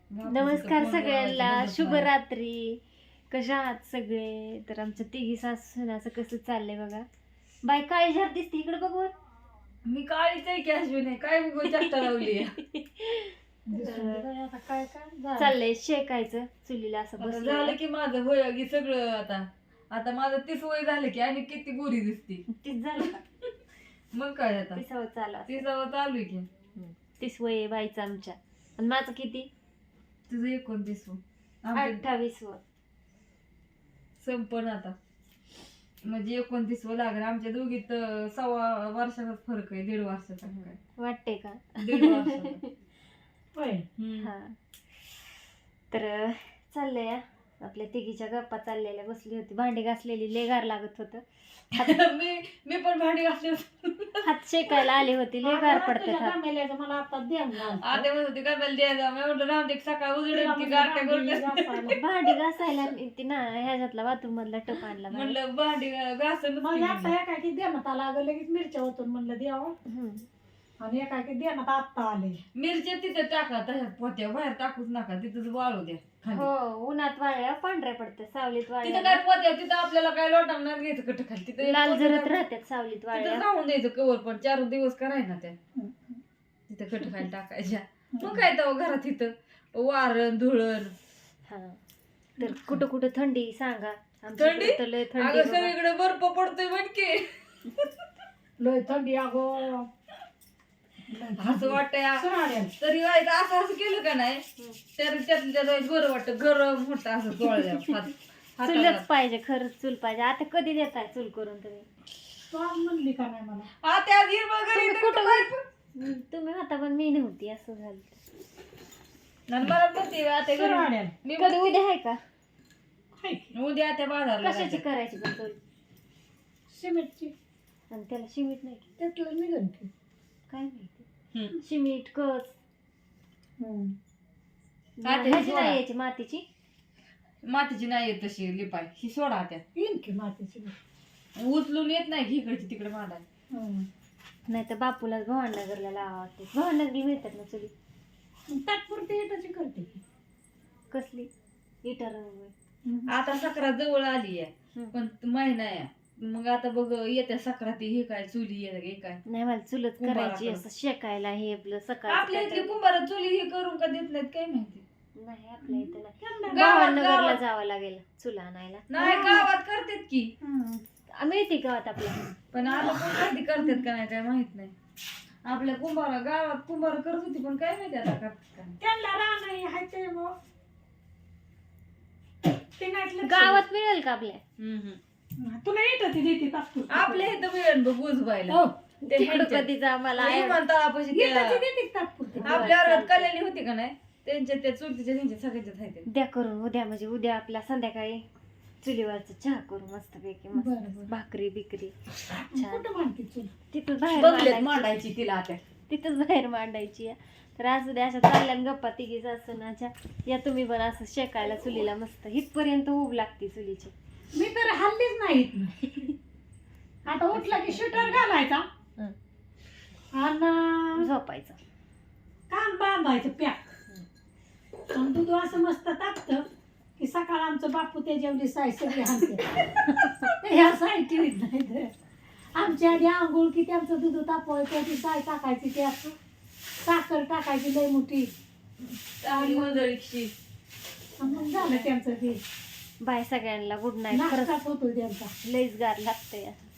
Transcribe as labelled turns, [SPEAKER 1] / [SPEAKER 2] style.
[SPEAKER 1] नमस्कार सगळ्यांना, शुभरात्री. कशा आहात सगळे? तर आमच्या तिघी सासूनाचं कसं चाललंय बघा. बाय काळी झाड दिसते इकडे बघ.
[SPEAKER 2] मी काळीच आहे की अश्विनी, काय चष्टा लावली
[SPEAKER 1] काय चाललंय शेकायचं चुलीला असं
[SPEAKER 2] झालं
[SPEAKER 1] बसलं
[SPEAKER 2] की माझं होय की सगळं. आता माझं 30 वय झालं की आणि किती गोरी दिसते.
[SPEAKER 1] तीच झालं का?
[SPEAKER 2] मग काय आता
[SPEAKER 1] 30 चालू
[SPEAKER 2] 30 चालू आहे की.
[SPEAKER 1] 30 वय बाईचं आमच्या. आणि माझं किती?
[SPEAKER 2] तुझं 29.
[SPEAKER 1] 28
[SPEAKER 2] संपण आता म्हणजे 29 लागलं. आमच्या दोघीत 1.25 वर्षाचा फरक आहे. 1.5 वर्षाचा काय
[SPEAKER 1] वाटते का?
[SPEAKER 2] 1.5 वर्षाचा होय.
[SPEAKER 1] हा तर चाललंय आपल्या तिघीच्या गप्पा चाललेल्या. बसली होती भांडी घासलेली, लय गार लागत होतं.
[SPEAKER 2] मी पण भांडी घासली
[SPEAKER 1] हात शेकायला आली होती, लय गार पडते
[SPEAKER 3] मला आता द्या
[SPEAKER 2] आता म्हणत होती काय द्यायला. मी म्हटलं राहून दे, सकाळ उजडेल की गारट्या करून
[SPEAKER 1] भांडी घासायला ती ना ह्याच्यातला बाथरूम मधला टप आणला.
[SPEAKER 2] म्हणलं भांडी घासून
[SPEAKER 3] एकाकी देण्यात आला अगं, लगेच मिरच्या होतो म्हणलं द्यावं. आणि एकाकी देण्यात आत्ता आले.
[SPEAKER 2] मिरच्या तिथे टाका, तशाच पोत्या बाहेर टाकूच नका, तिथंच वाळू द्या.
[SPEAKER 1] हो, उन्हात वाळल्या पांढऱ्या पडते, सावलीत
[SPEAKER 2] तिथं
[SPEAKER 1] वाळल्या
[SPEAKER 2] काय पोत्या, तिथं आपल्याला काय लोटांना घ्यायचं कट खाली, तिथं
[SPEAKER 1] लाल जरत राहतात सावलीत वाळल्या.
[SPEAKER 2] तिथं राहून द्यायचं कवर. पण 4 दिवस कराय ना त्या तिथं कट खाली टाकायच्या. मग काय तर घरात तिथं वारण धुळण.
[SPEAKER 1] हा तर कुठं कुठं थंडी सांगा.
[SPEAKER 2] थंडी?
[SPEAKER 1] तर लय थंडी
[SPEAKER 2] अगं
[SPEAKER 1] बाबा.
[SPEAKER 2] सगळीकडे बर्फ पडतोय म्हणके.
[SPEAKER 3] लय थंडी अगो.
[SPEAKER 2] असं वाटतंय तरी व्हायचं असं केलं का नाही तर त्यातल्या बरं वाटतं. गरम होतं असं चोळल्या
[SPEAKER 1] चुलच पाहिजे, खरंच चूल पाहिजे. आता कधी देताय चूल करून तुम्ही?
[SPEAKER 3] तू आज म्हणली का नाही मला?
[SPEAKER 2] आता कुठं
[SPEAKER 1] तुम्ही होता पण मी नव्हती, असं झालं.
[SPEAKER 2] मला म्हणते आता
[SPEAKER 3] सुरवाड्याला.
[SPEAKER 2] मी
[SPEAKER 1] कधी उद्या आहे का?
[SPEAKER 2] उद्या त्या बाजारला
[SPEAKER 1] कशाची
[SPEAKER 2] जायचं.
[SPEAKER 1] करायची पण चूल?
[SPEAKER 3] सिमेंटची.
[SPEAKER 1] आणि त्याला शिमीट नाही की?
[SPEAKER 3] त्यातलं निघन की.
[SPEAKER 1] काय माहिती. शिमीट कस
[SPEAKER 2] आता ही
[SPEAKER 1] ह्याची
[SPEAKER 2] सोडा.
[SPEAKER 1] नाही यायची मातीची.
[SPEAKER 2] मातीची नाही येत तशी लिपाय. ही सोडा त्यात
[SPEAKER 3] येईन की मातीची.
[SPEAKER 2] उचलून येत नाही की इकडची तिकडे मांडाय.
[SPEAKER 1] नाही तर बापूला भवाननगरला लावावं. भवाननगरला मिळतात ना चुली?
[SPEAKER 3] तात्पुरती इटाची करते की.
[SPEAKER 1] कसली? इटार
[SPEAKER 2] आता सक्रात जवळ आली आहे
[SPEAKER 1] हम्म.
[SPEAKER 2] पण महिना आहे. मग आता बघ येत्या सक्राती हे काय चुली हे काय
[SPEAKER 1] नाही, मला चुलत
[SPEAKER 2] कुंभाराकडं.
[SPEAKER 1] करायची असं शेकायला. हे आपलं
[SPEAKER 2] आपल्या इथली
[SPEAKER 1] सकाळ
[SPEAKER 2] कुंभार चुली हे करून का देत नाहीत काय माहिती.
[SPEAKER 1] नाही आपल्या इथं नाही.
[SPEAKER 3] त्यांना
[SPEAKER 1] भवाननगरला
[SPEAKER 2] गावात
[SPEAKER 1] जावं लागेल चुला आणायला.
[SPEAKER 2] नाही गावात करतात की.
[SPEAKER 1] मिळते गावात आपल्या.
[SPEAKER 2] पण आता कोण कधी करतात का नाही काय माहित नाही. आपल्या गावात कुंभार करत होती पण काय माहिती आता करतात का नाही.
[SPEAKER 3] त्यांना राहणं आहे ते मग. ते नाटलं
[SPEAKER 1] गावात मिळेल का आपल्या?
[SPEAKER 3] तुला येत ती देते तात्पुरती.
[SPEAKER 2] आपल्या इथं मिळेल बघ उजवायला.
[SPEAKER 3] हो.
[SPEAKER 2] ते
[SPEAKER 1] तिकडं
[SPEAKER 2] ह्यांच्यात.
[SPEAKER 1] कधी जा मला
[SPEAKER 2] विमानतळापाशी
[SPEAKER 3] येतं ती
[SPEAKER 2] त्या-
[SPEAKER 3] देते तात्पुरती.
[SPEAKER 2] आपल्या वर्गात कल्याणी होती का नाही त्यांच्या त्या चुलतीच्या त्यांच्या सगळ्याच्यात आहेत.
[SPEAKER 1] द्या करून उद्या, म्हणजे उद्या आपल्या संध्याकाळी चुलीवरचं चहा करू मस्त पैकी.
[SPEAKER 3] बरं,
[SPEAKER 1] मस्त
[SPEAKER 3] बरं.
[SPEAKER 1] भाकरी बिकरी छान.
[SPEAKER 3] कुठं मानते चूल?
[SPEAKER 1] तिथं बाहेर
[SPEAKER 2] बघलेत
[SPEAKER 1] मांडायची.
[SPEAKER 2] मांडायची तिला आता.
[SPEAKER 1] तिथंच बाहेर मांडायची आहे. तर असं द्या, अशा चालल्यान गप्पा तिघी सासूनाच्या. या तुम्ही पण असं शेकायला चुलीला मस्त इथपर्यंत उभ लागते चुलीची.
[SPEAKER 3] मी तर हल्लीच नाही. आता उठला की शूटर घालायचा आणि
[SPEAKER 1] झोपायचं.
[SPEAKER 3] कान बांधायचं पॅक. आणि दूध असं मस्त तापतं की सकाळ आमचं बापू ते जेवली साय सगळी हाणते. ह्या साय ठेवीत नाही तर आमच्या आधी आंघोळ की त्यांचं दूध तापवायचं, ती साय टाकायची, ते असं साखर टाकायची लय मोठी
[SPEAKER 2] चांगली मंडळीची.
[SPEAKER 3] आणि मग झालं त्यांचं ते
[SPEAKER 1] बाय सगळ्यांना गुड नाईट. खरंच
[SPEAKER 3] नाश्ताच होतो त्यांचा.
[SPEAKER 1] लईच गार लागतंय.